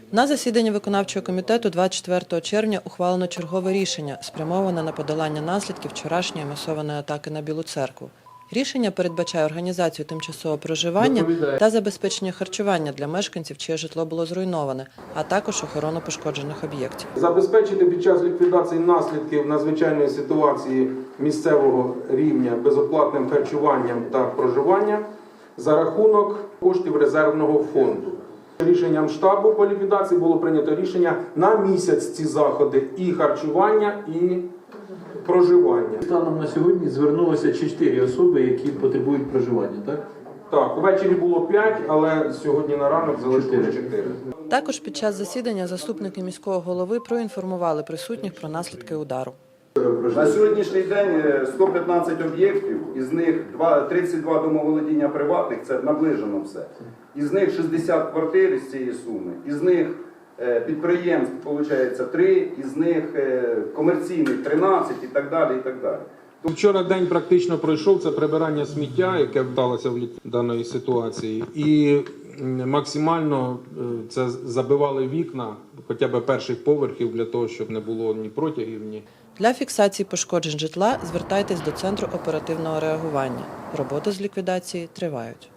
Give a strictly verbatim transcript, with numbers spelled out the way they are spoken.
На засіданні виконавчого комітету двадцять четвертого червня ухвалено чергове рішення, спрямоване на подолання наслідків вчорашньої масованої атаки на Білу церкву. Рішення передбачає організацію тимчасового проживання та забезпечення харчування для мешканців, чиє житло було зруйноване, а також охорону пошкоджених об'єктів. Забезпечити під час ліквідації наслідків надзвичайної ситуації місцевого рівня безоплатним харчуванням та проживанням за рахунок коштів резервного фонду. Рішенням штабу по ліквідації було прийнято рішення на місяць ці заходи і харчування, і проживання. Станом на сьогодні звернулося чотири особи, які потребують проживання, так? Так, ввечері було п'ять, але сьогодні на ранок залишилось чотири. Також під час засідання заступники міського голови проінформували присутніх про наслідки удару. На сьогоднішній день сто п'ятнадцять об'єктів, із них тридцять два домоволодіння приватних, це наближено все. Із них шістдесят квартир з цієї суми, із них підприємств, виходить, три, із них комерційних тринадцять і так далі, і так далі. Вчора день практично пройшов, це прибирання сміття, яке вдалося в даної ситуації. І максимально це забивали вікна, хоча б перших поверхів, для того, щоб не було ні протягів, ні. Для фіксації пошкоджень житла звертайтесь до Центру оперативного реагування. Роботи з ліквідації тривають.